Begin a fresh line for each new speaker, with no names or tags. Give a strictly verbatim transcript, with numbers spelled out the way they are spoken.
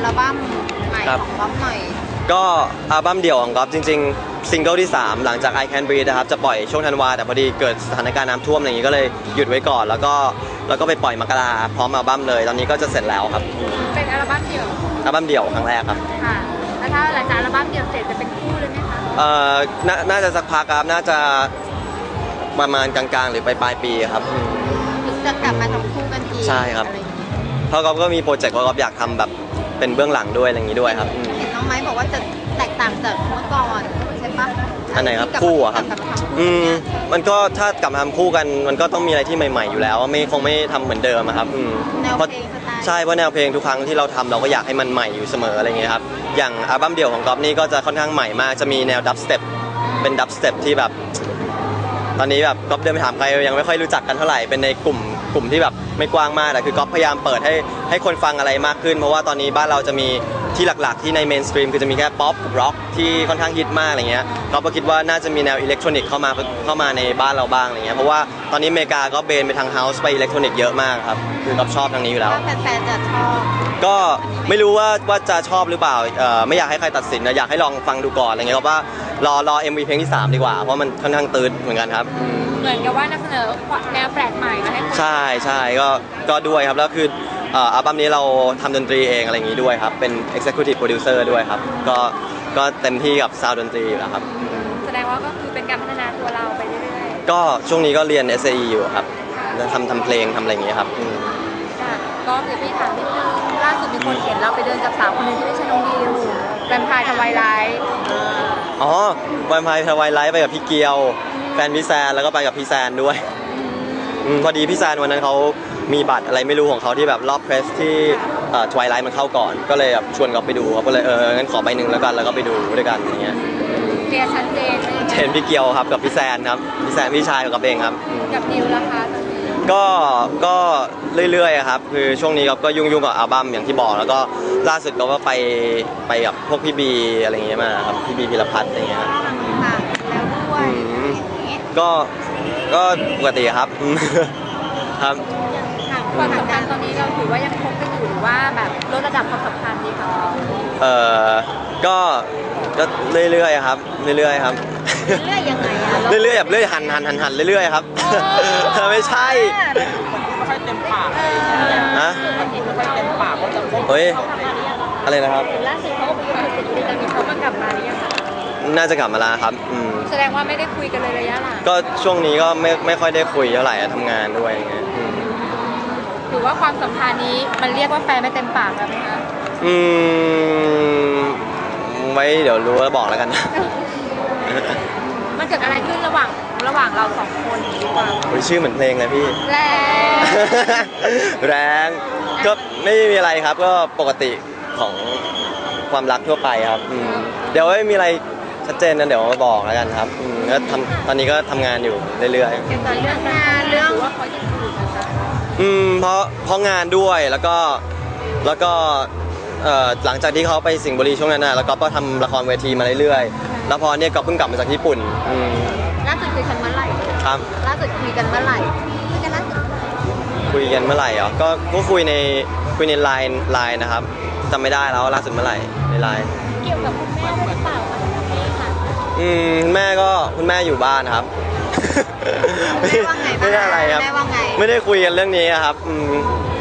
ลบั้มใหม่ของก๊อฟหน่อย
ก็อัลบั้มเดี่ยวของก๊อฟจริงๆซิงเกิลที่สามหลังจาก I Can Breathe นะครับจะปล่อยช่วงธันวาแต่พอดีเกิดสถานการณ์น้ำท่วมอะไรอย่างนี้ก็เลยหยุดไว้ก่อนแล้วก็แล้วก็ไปปล่อยมกราพร้อมอัลบั้มเลยตอนนี้ก็จะเสร็จแล้วครับ
เป็นอัลบั้มเดี่ยว
อัลบั้มเดี่ยวครั้งแรกครับ
ค่ะแล้วถ้าหลังจากอัลบั้มเดี่ยวเสร็จจะเป็นคู่เลยไหมคะ
เอ่อน่าจะสักพักครับน่าจะประมาณกลางๆหรือปลายปีครับ
จะกลับมาทำคู่กันอีก
ใช่ครับเพราะก๊อฟก็มีโปรเจกต์ว่าก๊อฟอยากทำแบบเป็นเบื้องหลังด้วยอะไรอย่างนี้ด้วยครับ
เห็นน้องไม้บอกว่าจะแตกต่างจากเมื่อก่อนใช่ปะ
อันไหนครับคู่อะครับอืมมันก็ถ้ากลับมาทำคู่กันมันก็ต้องมีอะไรที่ใหม่ๆอยู่แล้วไม่คงไม่ทำเหมือนเดิมครับ
แนวเพลงสไตล์
ใช่เพราะแนวเพลงทุกครั้งที่เราทำเราก็อยากให้มันใหม่อยู่เสมออะไรเงี้ยครับอย่างอัลบั้มเดี่ยวของก๊อฟนี่ก็จะค่อนข้างใหม่มากจะมีแนวดับสเต็ปเป็นดับสเต็ปที่แบบตอนนี้แบบก๊อฟเดินไปถามใครยังไม่ค่อยรู้จักกันเท่าไหร่เป็นในกลุ่มกลุ่มที่แบบไม่กว้างมากแต่คือก๊อฟพยายามเปิดให้ให้คนฟังอะไรมากขึ้นเพราะว่าตอนนี้บ้านเราจะมีที่หลักๆที่ในเมนสตรีมคือจะมีแค่ป๊อปกับร็อกที่ค่อนข้างฮิตมากอะไรเงี้ยก๊อฟก็คิดว่าน่าจะมีแนวอิเล็กทรอนิกส์เข้ามาเข้ามาในบ้านเราบ้างอะไรเงี้ยเพราะว่าตอนนี้อเมริกาก็เบนไปทางเฮาส์ไปอิเล็กทรอนิกส์เยอะมากครับคือก๊อฟชอบทางนี้อยู่แล้ว
แฟนๆจะชอบ
ก็ไม่รู้ว่าว่าจะชอบหรือเปล่าไม่อยากให้ใครตัดสินนะอยากให้ลองฟังดูก่อนอะไรเงี้ยเพราะว่ารอรอ เอ็ม วี เพลงที่สามดีกว่าเพราะมันค่อนข้างตื่นเหมือนกันครับ
เหมือนกับว่านำเสนอแนวแปลกใหม่มาให้คน
ใช่ใช่ก็ก็ด้วยครับแล้วคืออัลบั้มนี้เราทำดนตรีเองอะไรอย่างนี้ด้วยครับเป็น Executive Producer ด้วยครับก็ก็เต็มที่กับซาวด์ดนตรีอยู่แล้วครับ
แสดงว่าก็คือเป็นการพัฒนาตัวเราไปเรื่อย
ๆก็ช่วงนี้ก็เรียน เอส เอ อี อยู่ครับทำทำเพลงทำอะไรอย่างนี้ครับ
ก็เดี๋ยวพี่ถามนิดนึงล่าสุดมีคนเห็นเราไปเดินกับสาวคนนึงที่ไม่ใช่น้องดิวแวมไพร์ทวายไลท์
อ๋อแวมไพร์ทวายไลท์ไปกับพี่เกียวแฟนพี่แซนแล้วก็ไปกับพี่แซนด้วยพอดีพี่แซนวันนั้นเขามีบัตรอะไรไม่รู้ของเขาที่แบบรอบเพรสที่ทวายไลท์มันเข้าก่อนก็เลยแบบชวนเขาไปดูเขาก็เลยเอองั้นขอใบหนึ่งแล้วกันแล้วก็ไปดูด้วยกันอย่างเงี้ย
เคลียร์ชัดเจน
เห็นพี่เกียวครับกับพี่แซนครับพี่แซนพี่ชายกับเองครับ
กับดิวราคา
ก็ก็เรื่อยๆครับคือช่วงนี้ก็ยุ่งๆกับอัลบั้มอย่างที่บอกแล้วก็ล่าสุดก็ไปไปกับพวกพี่บีอะไรเงี้ยมาครับพี่บีพิรพัฒน์อะไรเงี้ย
ค่ะแล้วด้วย
ก็ก็ปกติครับครับ
ความสัมพันธ์ตอนนี้เราถือว่ายังคบกันอยู่หรือว่าแบบลดระดับความสัมพันธ์ดีคะ
เอ่อก็ก็เรื่อยๆครับเรื่อยๆครับ
เรื่อยยังไงอะ
เรื่อยๆแบบเรื่อยหันหันหันหันเรื่อยๆครับไม่ใช่
ไม่ค่อยเต็มปาก
ฮะ
ไม่ค่อยเต็มปากว่าจะคบ
เฮ้ยอะไรนะครับ
ล่าสุดเขาบอกว่าติดคุยกันมีเขามากลับมาหรือยัง
น่าจะกลับมาแล้วครับ
แสดงว่าไม่ได้คุยกันเลยระยะหลัง
ก็ช่วงนี้ก็ไม่ไม่ค่อยได้คุยเท่าไหร่ทำงานด้วยอย่างเงี้ย
ถือว่าความสัมพันธ์นี้มันเรียกว่าแฟนไม่เต็มปากแล้วไหมคะ
อืมไว้เดี๋ยวรู้แล้วบอกแล้วกัน
มันเกิดอะไรขึ้นระหว่างระหว่างเราสองคนดีกว่า
ชื่อเหมือนเพลงเลยพี่
แรง
แรงก็ไม่มีอะไรครับก็ปกติของความรักทั่วไปครับเดี๋ยวไม่มีอะไรชัดเจนนะเดี๋ยวมาบอกแล้วกันครับก็ทำตอนนี้ก็ทำงานอยู่เรื่อย
ๆเกี่ยวกับเรื่องงานเรื่องว่าเขาจะคุยนะคะ
อืมเพราะเพราะงานด้วยแล้วก็แล้วก็หลังจากที่เขาไปสิงห์บุรีช่วงนั้นนะแล้วก็ทำละครเวทีมาเรื่อยๆแล้วพอเนี่ยก็เพิ่งกลับมาจากญี่ปุ่น
ล่าสุดคุยกันเมื่อไหร่
ครับ
ล่าสุดคุยกันเมื่อไหร่คุยกันล่าสุด
คุยกันเมื่อไหร่เหรอก็ก็คุยในคุยในไลน์ไลน์นะครับจำไม่ได้แล้วล่าสุดเมื่อไหร่ในไลน์
เกี่ยวกับคุณแม่หรือเปล่าคะ
อืมคุณแม่ก็คุณแม่อยู่บ้านครับ
ไม่ได้ว่าไง
ไม่ได้อะไรครับไม่ได้คุยกันเรื่องนี้ครับอืม